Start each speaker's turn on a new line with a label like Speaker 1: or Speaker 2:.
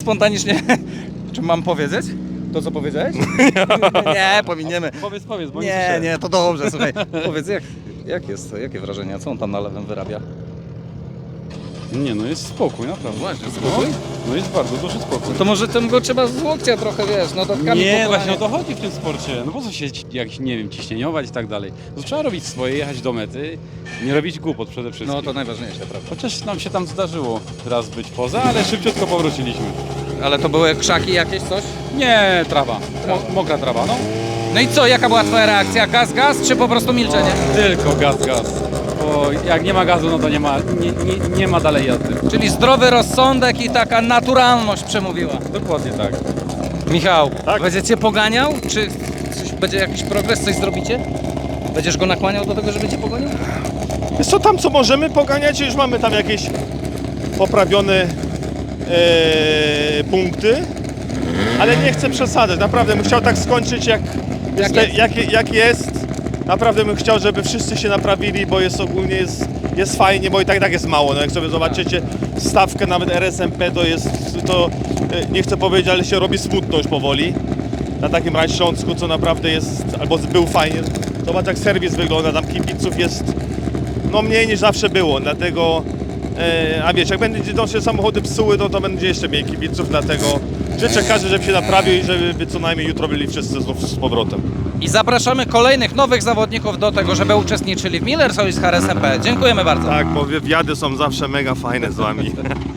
Speaker 1: spontanicznie... Czy mam powiedzieć? To, co powiedziałeś? Nie, pominiemy.
Speaker 2: Powiedz, bo
Speaker 1: Nie, to dobrze, słuchaj. Powiedz, jakie wrażenia? Co on tam na lewym wyrabia?
Speaker 2: Nie, no jest spokój, naprawdę.
Speaker 1: Właśnie, spokój?
Speaker 2: No jest bardzo duży spokój.
Speaker 1: To może tym go trzeba z łokcia trochę, wiesz, no dodatkami
Speaker 2: Nie,
Speaker 1: pokonania.
Speaker 2: właśnie o to chodzi w tym sporcie. No po co się jakiś, nie wiem, ciśnieniować i tak dalej. No trzeba robić swoje, jechać do mety, nie robić głupot przede wszystkim.
Speaker 1: No to najważniejsze, prawda?
Speaker 2: Chociaż nam się tam zdarzyło raz być poza, ale szybciutko powróciliśmy.
Speaker 1: Ale to były krzaki jakieś, coś?
Speaker 2: Nie, trawa. Mokra trawa, no.
Speaker 1: No i co, jaka była twoja reakcja? Gaz, czy po prostu milczenie?
Speaker 2: Tylko gaz. Bo jak nie ma gazu, no to nie ma dalej jazdy.
Speaker 1: Czyli zdrowy rozsądek i taka naturalność przemówiła.
Speaker 2: Dokładnie tak.
Speaker 1: Michał,
Speaker 3: Tak?
Speaker 1: będziecie poganiał? Czy będzie jakiś progres, coś zrobicie? Będziesz go nakłaniał do tego, żeby cię pogonił?
Speaker 3: Jest co tam, co możemy poganiać, już mamy tam jakieś poprawione punkty, ale nie chcę przesadzać. Naprawdę bym chciał tak skończyć jak jest. Naprawdę bym chciał, żeby wszyscy się naprawili, bo jest ogólnie jest fajnie, bo i tak jest mało. No jak sobie zobaczycie stawkę nawet RSMP, to nie chcę powiedzieć, ale się robi smutno już powoli. Na takim razie Śląsku, co naprawdę jest, albo był fajnie. Zobacz jak serwis wygląda, tam kibiców jest no mniej niż zawsze było, dlatego a wiesz, jak będą się samochody psuły, to będzie jeszcze mniej kibiców, dlatego życzę każdy, żeby się naprawił i żeby co najmniej jutro byli wszyscy znów z powrotem.
Speaker 1: I zapraszamy kolejnych nowych zawodników do tego, żeby uczestniczyli w Miller Series HRSMP. Dziękujemy bardzo.
Speaker 3: Tak, bo wywiady są zawsze mega fajne z wami.